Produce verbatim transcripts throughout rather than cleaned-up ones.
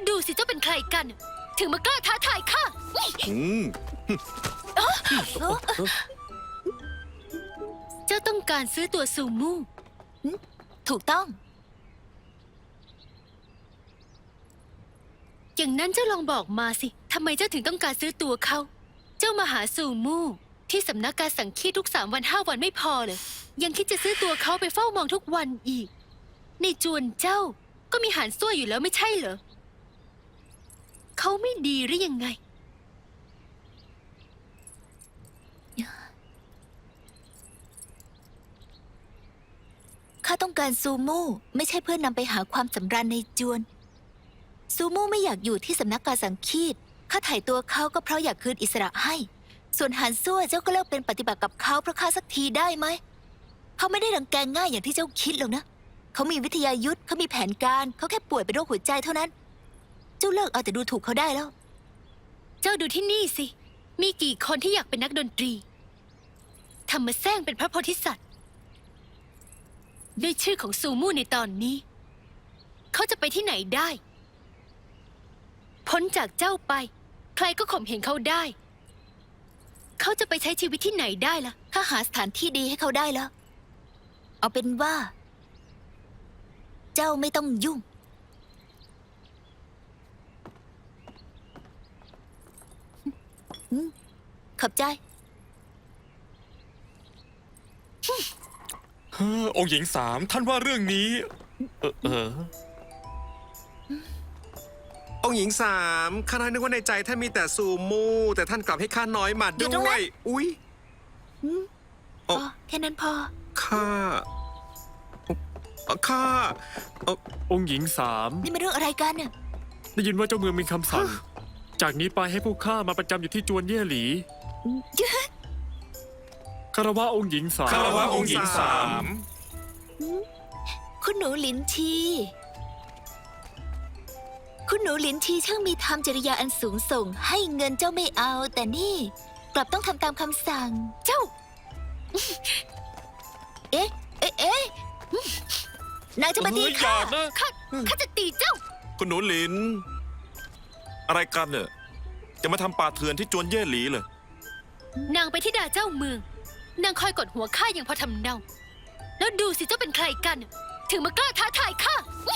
ดูสิเจ้าเป็นใครกัน ถึงมากล้าท้าทายข้าเจ้าต้องการซื้อตัวซูมูถูกต้องอย่างนั้นเจ้าลองบอกมาสิทำไมเจ้าถึงต้องการซื้อตัวเขาเจ้ามาหาซูมูที่สำนักการสังคีตทุกสามวันห้าวันไม่พอเลยยังคิดจะซื้อตัวเขาไปเฝ้ามองทุกวันอีกในจวนเจ้าก็มีหานซั่วอยู่แล้วไม่ใช่เหรอเขาไม่ดีหรือยังไงข้าต้องการซูมูไม่ใช่เพื่อนำไปหาความสำราญในจวนซูมูไม่อยากอยู่ที่สำนักการสังคีตข้าถ่ายตัวเขาก็เพราะอยากคืนอิสระให้ส่วนหานซั่วเจ้าก็เลิกเป็นปฏิบัติกับเขาเพราะข้าสักทีได้ไหมเขาไม่ได้รังแกง่ายอย่างที่เจ้าคิดหรอกนะเขามีวิทยายุทธเขามีแผนการเขาแค่ป่วยเป็นโรคหัวใจเท่านั้นเจ้าเลิกเอาแต่ดูถูกเขาได้แล้วเจ้าดูที่นี่สิมีกี่คนที่อยากเป็นนักดนตรีทำมาแซงเป็นพระโพธิสัตว์ด้วยชื่อของซูมูในตอนนี้เขาจะไปที่ไหนได้พ้นจากเจ้าไปใครก็ข่มเหงเขาได้เขาจะไปใช้ชีวิตที่ไหนได้ล่ะข้าหาสถานที่ดีให้เขาได้แล้วเอาเป็นว่าเจ้าไม่ต้องยุ่งขอบใจเฮ้อองค์หญิงสามท่านว่าเรื่องนี้เออเออองค์หญิงสามข้าน้อยนึกว่าในใจท่านมีแต่ซูมูแต่ท่านกลับให้ข้าน้อยมาด้วยอุ๊ยอ๋อแค่นั้นพอข้าข้าองค์หญิงสามนี่มันเรื่องอะไรกันเนี่ยได้ยินว่าเจ้าเมืองมีคำสั่งจากนี้ไปให้พวกข้ามาประจำอยู่ที่จวนเย่หลีคารวะองค์หญิงสามคารวะองค์หญิงสามคุณหนูหลินชีคุณหนูหลินชีช่างมีธรรมจริยาอันสูงส่งให้เงินเจ้าไม่เอาแต่นี่กลับต้องทำตามคำสั่งเจ้าเอ๊ะเอ๊ะเอ๊ะนายจะมาตีข้าข้าข้าจะตีเจ้าคุณหนูหลินอะไรกันเนี่ยจะมาทำป่าเถื่อนที่จวนเย่หลีเลยนางไปที่ดาเจ้าเมืองนางคอยกดหัวข้าอย่างพอทำเนาแล้วดูสิเจ้าเป็นใครกันถึงมากล้าท้าทายข้า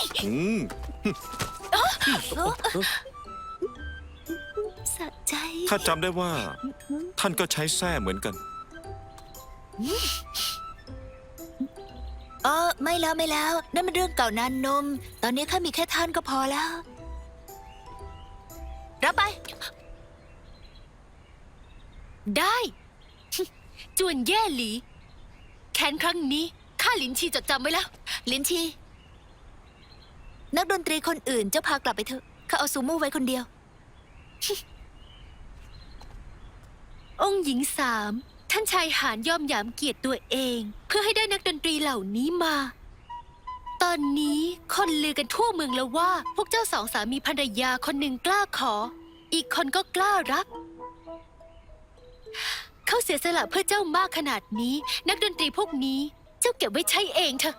สะใจข้าจำได้ว่าท่านก็ใช้แส้เหมือนกันเออไม่แล้วไม่แล้วนั่นมันเรื่องเก่านานนมตอนนี้ข้ามีแค่ท่านก็พอแล้วรับไปได้จวนแย่หลีแค้นครั้งนี้ข้าหลินชีจดจำไว้แล้วหลินชีนักดนตรีคนอื่นเจ้าพากลับไปเถอะข้าเอาซูมูไว้คนเดียวองค์หญิงสามท่านชายหานยอมหยามเกียรติตัวเองเพื่อให้ได้นักดนตรีเหล่านี้มา ตอนนี้คนลือกันทั่วเมืองแล้วว่าพวกเจ้าสองสามีภรรยาคนหนึ่งกล้าขออีกคนก็กล้ารับเขาเสียสละเพื่อเจ้ามากขนาดนี้นักดนตรีพวกนี้เจ้าเก็บไว้ใช้เองเถอะ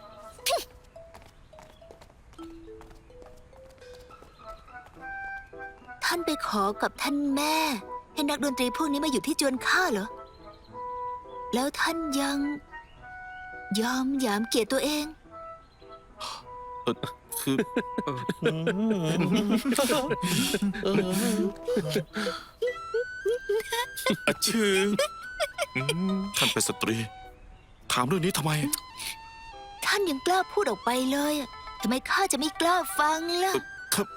ท่านไปขอกับท่านแม่ให้นักดนตรีพวกนี้มาอยู่ที่จวนข้าเหรอแล้วท่านยังยอมหยามเกียรติตัวเองคืออาชื่อท่านเป็นสตรีถามเรื่องนี้ทำไมท่านยังกล้าพูดออกไปเลยทำไมข้าจะไม่กล้าฟังล่ะครับ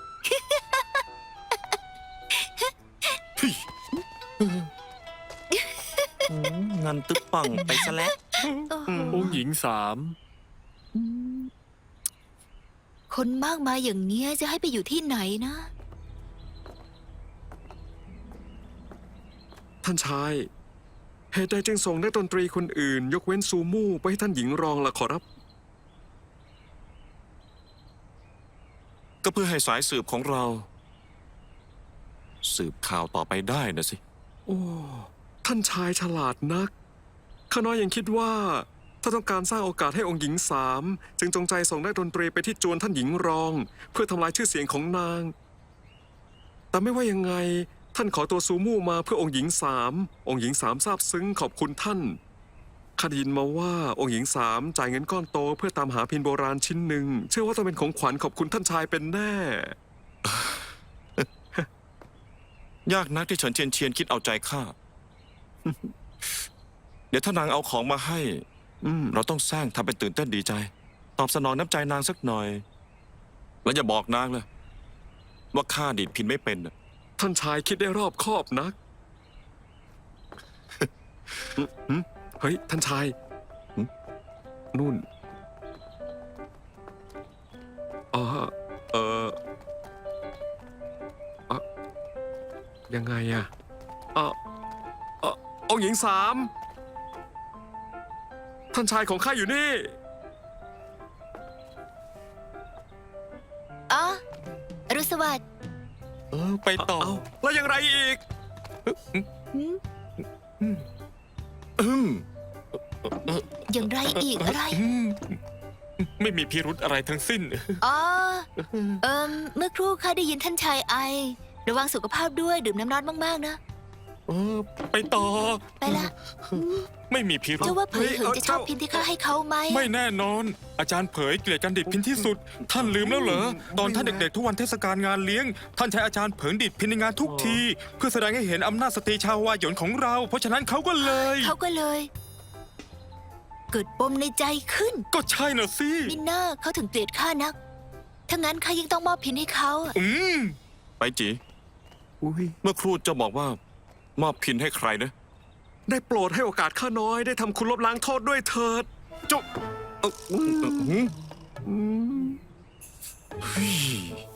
เงินตึ๊บปังไปซะแล้วองค์หญิงสามคนมากมายอย่างเนี้ยจะให้ไปอยู่ที่ไหนนะท่านชายเหตุใดจึงส่งนักดนตรีคนอื่นยกเว้นซูมูไปให้ท่านหญิงรองล่ะขอรับก็เพื่อให้สายสืบของเราสืบข่าวต่อไปได้นะสิโอ้ท่านชายฉลาดนักข้าน้อยยังคิดว่าถ้าต้องการสร้างโอกาสให้องค์หญิงสามจึงจงใจส่งนักดนตรีไปที่จวนท่านหญิงรองเพื่อทำลายชื่อเสียงของนางแต่ไม่ว่ายังไง ท่านขอตัวซูมู่มาเพื่อองค์หญิงสาม องค์หญิงสามซาบซึ้งขอบคุณท่านข้าได้ยินมาว่าองค์หญิงสามจ่ายเงินก้อนโตเพื่อตามหาพินโบราณชิ้นหนึ่ง เชื่อว่าต้องเป็นของขวัญขอบคุณท่านชายเป็นแน่ยากนักที่เฉินเชียนเชียนคิดเอาใจข้า เดี๋ยวถ้านางเอาของมาให้อืมเราต้องแซงทำเป็นตื่นเต้นดีใจ ตอบสนองน้ำใจนางสักหน่อย แล้วอย่าบอกนางเลยว่าข้าดีดพินไม่เป็นน่ะท่านชายคิดได้รอบคอบนัก อืมอืมเฮ้ย ท่านชายอืมนู่นอ๋อเอออะยังไงอะอ่ะอ่ะองค์หญิงสาม ท่านชายของข้าอยู่นี่อ๋ออรุณสวัสดิ์เออ ไปต่อเอาแล้วยังไรอีกอืมอย่างไรอีกอะไรไม่มีพิรุธอะไรทั้งสิ้นอ๋อ เอิมเมื่อครู่ข้าได้ยินท่านชายไอ ระวังสุขภาพด้วยดื่มน้ำร้อนมากๆนะเออ ไปต่อไปละไม่มีพิรุธเจ้าว่าเผยเหินเฮ้ยจะชอบเจ้าพินที่ข้าให้เขาไหมไม่แน่นอน อาจารย์เผยเกลียดการดิดพินที่สุด ท่านลืมแล้วเหรอ ตอนท่านเด็กๆทุกวันเทศกาลงานเลี้ยง ท่านใช้อาจารย์เผยดิดพินในงานทุกที เพื่อแสดงให้เห็นอำนาจสตรีชาววายหยนของเรา เพราะฉะนั้นเขาก็เลยเขาก็เลย เกิดปมในใจขึ้นก็ใช่น่ะสิมิน่าเขาถึงเกลียดข้านัก ถ้างั้นข้ายิ่งต้องมอบพินให้เขาอะอืมไปจีอุ้ยเมื่อครูเจะบอกว่า มอบพินให้ใครนะได้โปรดให้โอกาสข้าน้อยได้ทำคุณลบล้างโทษด้วยเถิดจุ๊บเอ่ออืมอืมอืมเฮ้ย